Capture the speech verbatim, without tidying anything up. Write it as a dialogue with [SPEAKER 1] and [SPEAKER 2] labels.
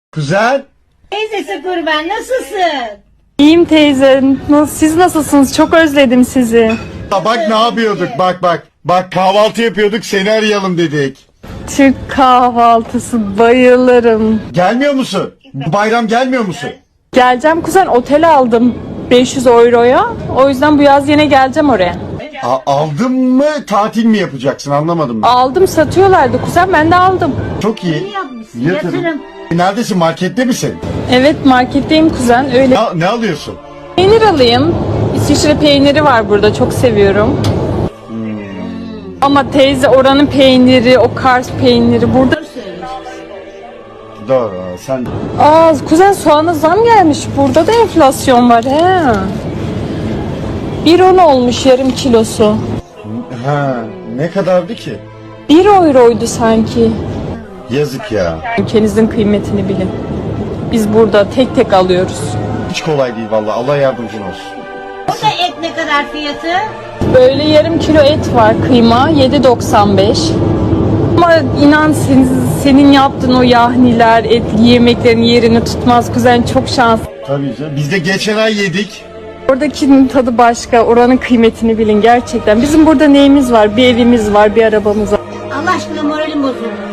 [SPEAKER 1] Kuzen.
[SPEAKER 2] Teyzesi kurban, nasılsın?
[SPEAKER 3] İyiyim teyze. Nasıl, siz nasılsınız? Çok özledim sizi.
[SPEAKER 1] Ha, bak ne yapıyorduk bak bak. Bak kahvaltı yapıyorduk seni arayalım dedik.
[SPEAKER 3] Türk kahvaltısı bayılırım.
[SPEAKER 1] Gelmiyor musun? Bu bayram gelmiyor musun?
[SPEAKER 3] Geleceğim kuzen, otel aldım beş yüz euroya. O yüzden bu yaz yine geleceğim oraya.
[SPEAKER 1] A- aldın mı tatil mi yapacaksın anlamadım ben.
[SPEAKER 3] Aldım, satıyorlardı kuzen, ben de aldım.
[SPEAKER 1] Çok iyi.
[SPEAKER 2] İyi yapmışsın,
[SPEAKER 1] Yatırım.
[SPEAKER 2] yatırım.
[SPEAKER 1] E, Neredesin markette misin?
[SPEAKER 3] Evet, marketteyim kuzen, öyle.
[SPEAKER 1] Ne, ne alıyorsun?
[SPEAKER 3] Peynir alayım. İsviçre peyniri var burada, çok seviyorum. Ama teyze, oranın peyniri, o Kars peyniri burada.
[SPEAKER 1] Doğru sen.
[SPEAKER 3] Aa kuzen, soğana zam gelmiş. Burada da enflasyon var he. bir on olmuş yarım kilosu.
[SPEAKER 1] Ha, ne kadardı ki?
[SPEAKER 3] bir euroydu sanki.
[SPEAKER 1] Yazık ya.
[SPEAKER 3] Ülkenizin kıymetini bilin. Biz burada tek tek alıyoruz.
[SPEAKER 1] Hiç kolay değil vallahi. Allah yardımcın olsun.
[SPEAKER 2] O da et ne kadar fiyatı?
[SPEAKER 3] Böyle yarım kilo et var, kıyma yedi doksan beş. Ama inan senin, senin yaptığın o yahniler, etli yemeklerin yerini tutmaz kuzen, çok şans.
[SPEAKER 1] Tabii canım. Biz de geçen ay yedik.
[SPEAKER 3] Oradakinin tadı başka, oranın kıymetini bilin gerçekten. Bizim burada neyimiz var? Bir evimiz var, bir arabamız var.
[SPEAKER 2] Allah aşkına moralim bozuldu.